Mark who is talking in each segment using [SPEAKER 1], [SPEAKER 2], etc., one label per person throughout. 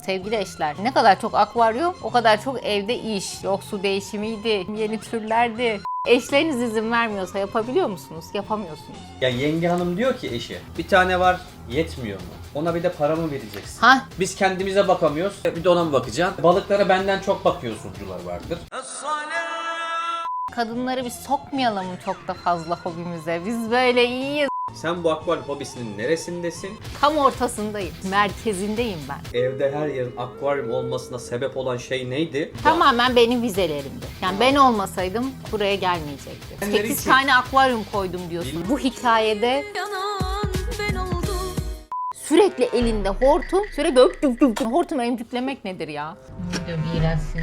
[SPEAKER 1] sevgili eşler. Ne kadar çok akvaryum, o kadar çok evde iş. Yok su değişimiydi, yeni türlerdi. Eşleriniz izin vermiyorsa yapabiliyor musunuz? Yapamıyorsunuz.
[SPEAKER 2] Ya yenge hanım diyor ki eşi, bir tane var yetmiyor mu? Ona bir de para mı vereceksin?
[SPEAKER 1] Ha?
[SPEAKER 2] Biz kendimize bakamıyoruz, bir de ona mı bakacaksın? Balıklara benden çok bakıyorsuncular vardır.
[SPEAKER 1] Kadınları biz sokmayalım çok da fazla hobimize. Biz böyle iyiyiz.
[SPEAKER 2] Sen bu akvaryum hobisinin neresindesin?
[SPEAKER 1] Tam ortasındayım. Merkezindeyim ben.
[SPEAKER 2] Evde her yerin akvaryum olmasına sebep olan şey neydi?
[SPEAKER 1] Tamamen benim vizelerimdi. Yani ben olmasaydım buraya gelmeyecekti. 8 tane akvaryum koydum diyorsun. Bu hikayede sürekli elinde hortum, sürekli öp. Hortumu emcüklemek nedir ya? Ne diyor iğrençsin.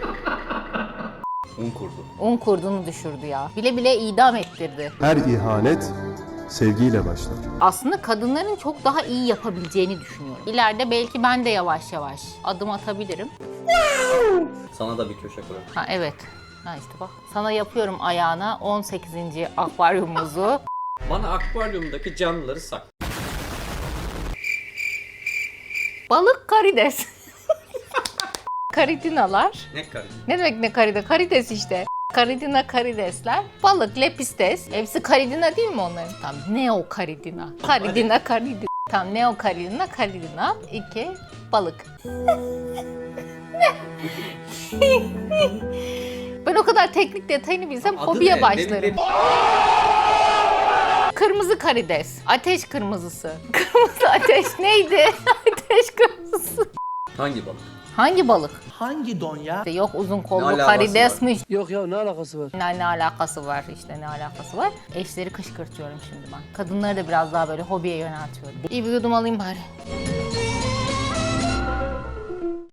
[SPEAKER 2] Un kurdu.
[SPEAKER 1] Un kurdunu düşürdü ya. Bile bile idam ettirdi.
[SPEAKER 3] Her ihanet sevgiyle başlar.
[SPEAKER 1] Aslında kadınların çok daha iyi yapabileceğini düşünüyorum. İleride belki ben de yavaş yavaş adım atabilirim.
[SPEAKER 2] Sana da bir köşe kurarım.
[SPEAKER 1] Ha evet. Ha işte bak. Sana yapıyorum ayağına 18. akvaryumumuzu.
[SPEAKER 2] Bana akvaryumdaki canlıları say.
[SPEAKER 1] Balık karides. Karidinalar.
[SPEAKER 2] Ne karı?
[SPEAKER 1] Ne demek ne karide? Karides işte. Karidina karidesler. Balık, lepistes. Hepsi karidina değil mi onların? Tamam. Neo karidina. Karidina karidina. Tamam. Neo karidina karidina. 2. Balık. Ben o kadar teknik detayını bilsem
[SPEAKER 2] Adı
[SPEAKER 1] hobiye
[SPEAKER 2] ne?
[SPEAKER 1] başlarım. Kırmızı karides. Ateş kırmızısı. Kırmızı ateş neydi? Ateş kırmızısı.
[SPEAKER 2] Hangi balık?
[SPEAKER 1] Hangi balık?
[SPEAKER 4] Hangi don ya?
[SPEAKER 1] İşte yok uzun
[SPEAKER 2] Ne
[SPEAKER 1] kollu
[SPEAKER 2] alakası
[SPEAKER 1] karidesmiş.
[SPEAKER 4] Yok ya ne alakası var?
[SPEAKER 1] Ne alakası var işte ne alakası var. Eşleri kışkırtıyorum şimdi ben. Kadınları da biraz daha böyle hobiye yöneltiyorum. İyi bir yudum alayım bari.